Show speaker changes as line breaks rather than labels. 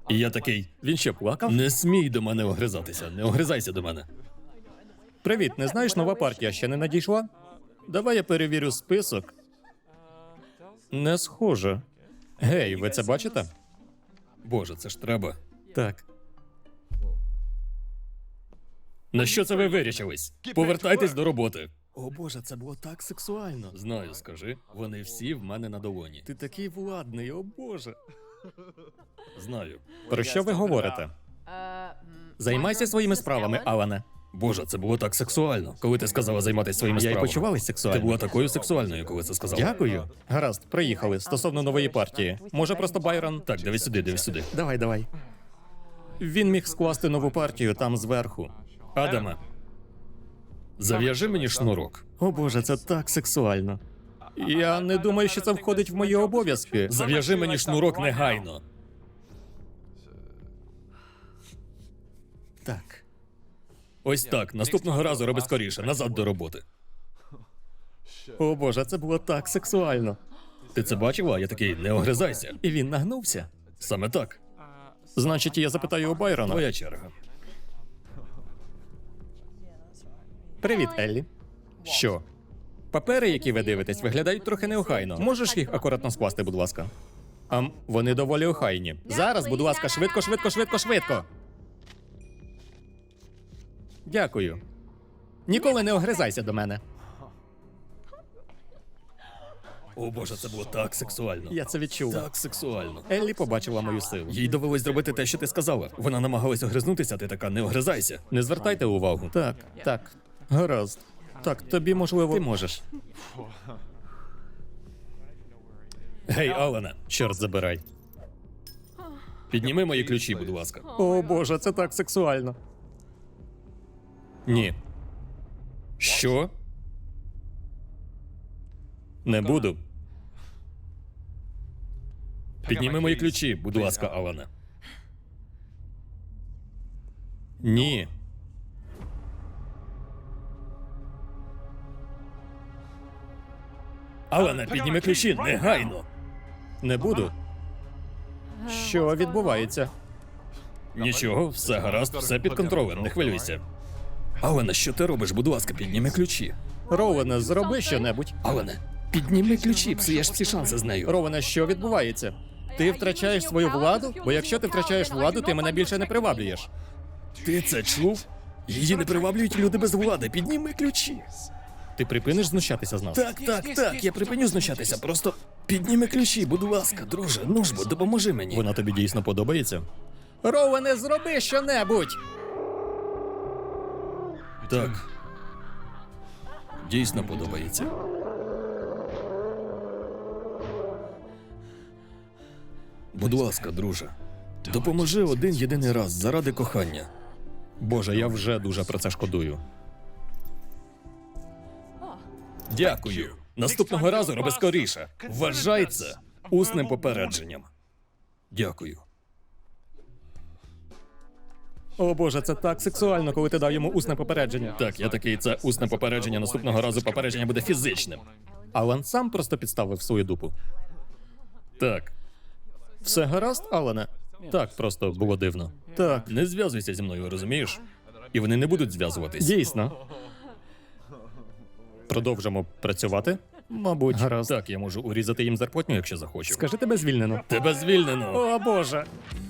І я такий, він що, плакав? Не смій до мене огризатися, не огризайся до мене. Привіт, не знаєш, нова партія ще не надійшла? Давай я перевірю список. Не схоже. Гей, ви це бачите? Боже, це ж треба. Так. На що це ви вирішились? Повертайтесь до роботи. О боже, це було так сексуально. Знаю, скажи. Вони всі в мене на долоні. Ти такий владний, о боже. Знаю. Про що ви говорите? Займайся своїми справами, Алане. Боже, це було так сексуально, коли ти сказала займатися своїми справами. Я й почувалась сексуально. Ти була такою сексуальною, коли це сказала. Дякую. Гаразд, приїхали. Стосовно нової партії. Може просто Байрон? Так, дивись сюди, дивись сюди. Давай. Він міг скласти нову партію там зверху. Адаме, зав'яжи мені шнурок. О боже, це так сексуально. Я не думаю, що це входить в мої обов'язки. Зав'яжи мені шнурок негайно. Так. Ось так. Наступного разу роби скоріше. Назад до роботи. О боже, це було так сексуально. Ти це бачила? Я такий, не огризайся. І він нагнувся. Саме так. Значить, я запитаю у Байрона. Твоя черга. Привіт, Еллі. Що? Папери, які ви дивитесь, виглядають трохи неохайно. Можеш їх акуратно скласти, будь ласка? Вони доволі охайні. Зараз, будь ласка, швидко. Дякую. Ніколи не огризайся до мене. О боже, це було так сексуально. Я це відчув. Так сексуально. Еллі побачила мою силу. Їй довелось зробити те, що ти сказала. Вона намагалась огризнутися, а ти така, не огризайся. Не звертайте увагу. Так. Гаразд. Так, тобі можливо. Ти можеш. Гей, Алане, чорт забирай. Підніми мої ключі, будь ласка. О боже, це так сексуально. Ні. Що? Не буду. Підніми мої ключі, будь ласка, Алане. Ні. Алане, підніми ключі, негайно. Не буду. Що відбувається? Нічого, все гаразд, все під контролем, не хвилюйся. Алане, що ти робиш? Будь ласка, підніми ключі. Роване, зроби щонебудь. Алане, підніми ключі, псуєш всі шанси з нею. Роване, що відбувається? Ти втрачаєш свою владу? Бо якщо ти втрачаєш владу, ти мене більше не приваблюєш. Ти це чув? Її не приваблюють люди без влади. Підніми ключі. Ти припиниш знущатися з нас? Так, я припиню знущатися. Просто підніми ключі, будь ласка, друже. Ну ж бо, допоможи мені. Вона тобі дійсно подобається? Роване, зроби щонебудь! Так. Дійсно подобається. Будь ласка, друже. Допоможи один єдиний раз заради кохання. Боже, я вже дуже про це шкодую. Дякую. Наступного разу роби скоріше. Вважай це усним попередженням. Дякую. О боже, це так сексуально, коли ти дав йому усне попередження. Так, я такий, це усне попередження, наступного разу попередження буде фізичним. Алан сам просто підставив свою дупу. Так. Все гаразд, Алане? Так, просто було дивно. Так. Не зв'язуйся зі мною, розумієш? І вони не будуть зв'язуватись. Дійсно. Продовжимо працювати? Мабуть. Гаразд. Так, я можу урізати їм зарплатню, якщо захочу. Скажи, тебе звільнено. Тебе звільнено. О боже.